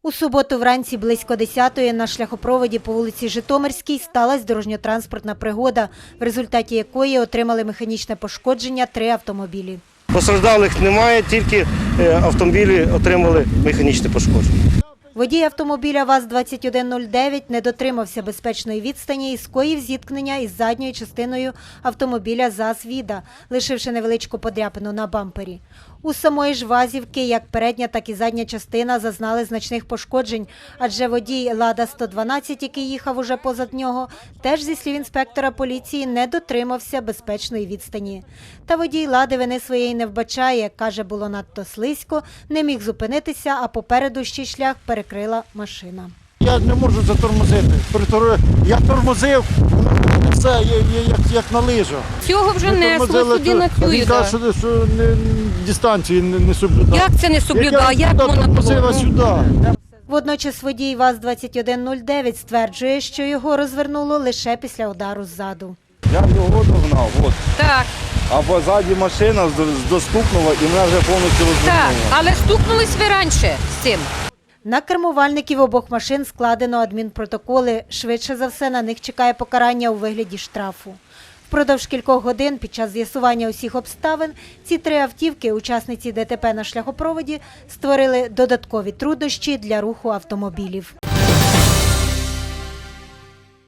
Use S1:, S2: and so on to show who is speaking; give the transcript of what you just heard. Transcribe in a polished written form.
S1: У суботу вранці близько 10-ї на шляхопроводі по вулиці Житомирській сталася дорожньо-транспортна пригода, в результаті якої отримали механічне пошкодження 3 автомобілі.
S2: Постраждалих немає, тільки автомобілі отримали механічне пошкодження.
S1: Водій автомобіля ВАЗ-2109 не дотримався безпечної відстані і скоїв зіткнення із задньою частиною автомобіля ЗАЗ-Віда, лишивши невеличку подряпину на бампері. У самої ж ВАЗівки як передня, так і задня частина зазнали значних пошкоджень, адже водій «Лада-112», який їхав уже позад нього, теж, зі слів інспектора поліції, не дотримався безпечної відстані. Та водій «Лади» вини своєї не вбачає, каже, було надто слизько, не міг зупинитися, а попереду ще шлях перекрила машина.
S3: Я не можу затормозити. Я тормозив, все як на лижах.
S4: Цього вже несло сюди на цю
S3: Він каже, що дистанції не соблюдав.
S4: Як це не соблюдав? Як можна
S3: тормозив
S4: було?
S3: сюди.
S1: Водночас водій ВАЗ-2109 стверджує, що його розвернуло лише після удару ззаду.
S5: Я його догнав, от.
S4: Так,
S5: А позаді машина достукнула і мене вже повністю
S4: так.
S5: розвернула.
S4: Але стукнулись ви раніше з цим.
S1: На кермувальників обох машин складено адмінпротоколи. Швидше за все, на них чекає покарання у вигляді штрафу. Впродовж кількох годин під час з'ясування усіх обставин ці 3 автівки, учасниці ДТП на шляхопроводі, створили додаткові труднощі для руху автомобілів.